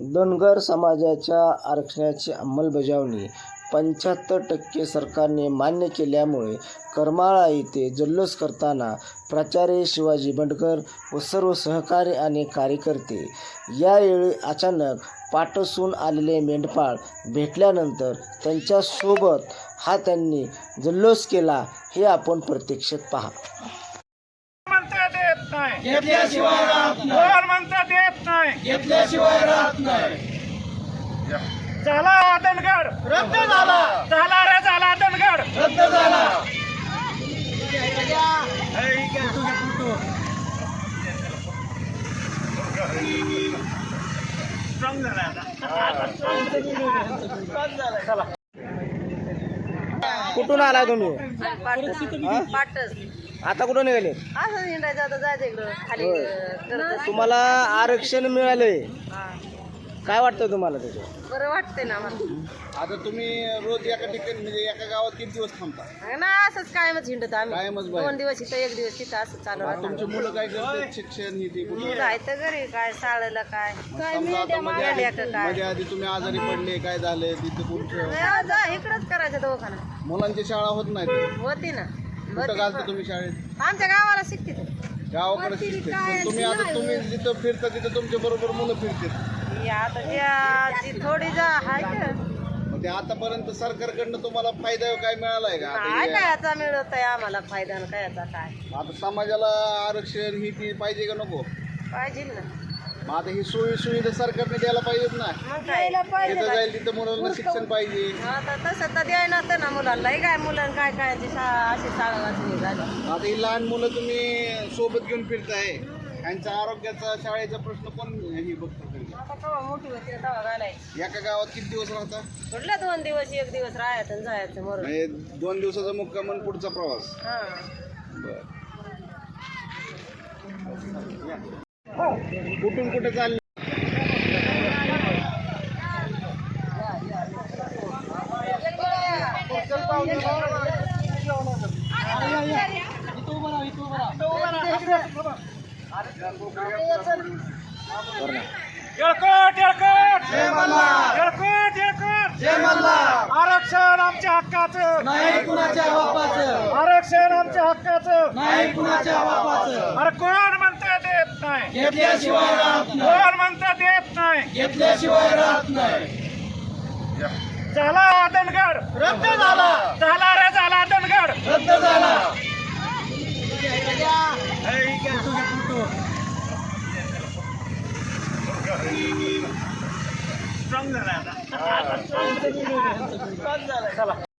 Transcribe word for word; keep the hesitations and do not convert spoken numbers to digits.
धनगर समाजाच्या आरक्षणाची अंमलबजावणी पंच्याहत्तर टक्के सरकारने मान्य केल्यामुळे करमाळा येथे जल्लोष करताना प्राचार्य शिवाजी बंडकर व सर्व सहकारी आणि कार्यकर्ते यावेळी अचानक पाठसून आलेले मेंढपाळ भेटल्यानंतर त्यांच्यासोबत हा त्यांनी जल्लोष केला हे आपण प्रत्यक्षात पहा. घेतल्याशिवाय राहत नाही. घेतल्याशिवाय राहत नाही. झाला धनगर रद्द झाला. झाला रे झाला धनगर रद्द झाला. स्ट्रॉंग झाला आता. कुठून आला तुम्ही? पाटस आता कुठं निघाले? असं हिंडायचं आता जायचं इकडं खाली होय. करत तुम्हाला आरक्षण मिळालंय, काय वाटतं तुम्हाला त्याचं? बरं वाटतंय ना आम्हाला. आता तुम्ही रोज एका ठिकाणी म्हणजे एका गावात किती दिवस थांबता? ना असंच कायमच हिंडत आम्ही. कायमच बाहेर. दोन दिवस इथं एक दिवस तिथं असं चालू आता तुमची राहतं. मुलं काय करतात? शिक्षण ही ती कुठे? जायचं घरी काय शाळेला काय काय समजा आता मध्ये आधी लेकरं काय मध्ये आधी तुम्ही आजारी पडले, काय झाले तिथे तुमचं नाही, जा इकडंच करायचं दवाखाना. मुलांची शाळा होत नाही. होती ना कुठं होती घालता पण. तुम्ही शाळेत? आमच्या गावाला शिकते ते. गावाकडे शिकते. पण तुम्ही आता तुम्ही जिथं फिरता तिथं तुमच्या बरोबर मुलं फिरतात. ही आता ज्या- जी थोडी जा हाय का मग ते आतापर्यंत सरकारकडनं तुम्हाला फायदा काय मिळालाय का? आता काय हे- काय याचा मिळत आहे आम्हाला फायदा न काय याचा काय आता समाजाला आरक्षण ही ती पाहिजे का नको? पाहिजे ना. मग आता ही सोयी सुविधा सरकारने द्यायला पाहिजेत ना. मग काय तिथं जाईल तिथं मुलांना शिक्षण पाहिजे. आता तसं तर द्याय नसतं ना मुलांना. हे काय मुलांना काय काय ती शाळा अशी शाळा वाचली झाली. आता ही लहान मुलं तुम्ही सोबत घेऊन फिरताय, त्यांच्या आरोग्याचा शाळेचा प्रश्न कोण ही बघतो? आता केव्हा मोठी होती तेव्हा घालायची. एका गावात किती दिवस राहता? कुठल्या दोन दिवस एक दिवस राहायचं आणि जायचं मरून. म्हणजे दोन दिवसाचा मुक्काम आणि पुढचा प्रवास. हा कुठून कुठे चालले? येळकोट येळकोट येळकोट येळकोट आरक्षण आमच्या हक्काचं नाही कुणाच्या बापाचं. आरक्षण आमच्या हक्काचं. नाही कुणाच्या बापाचं. अरे कोण म्हणतं देत नाही? घेतल्याशिवाय राहत नाही. कोण म्हणतं देत नाही? घेतल्याशिवाय राहत नाही. झाला धनगर रद्द झाला. झाला रे झाला धनगर रद्द झाला. स्ट्रॉंग झाला आता.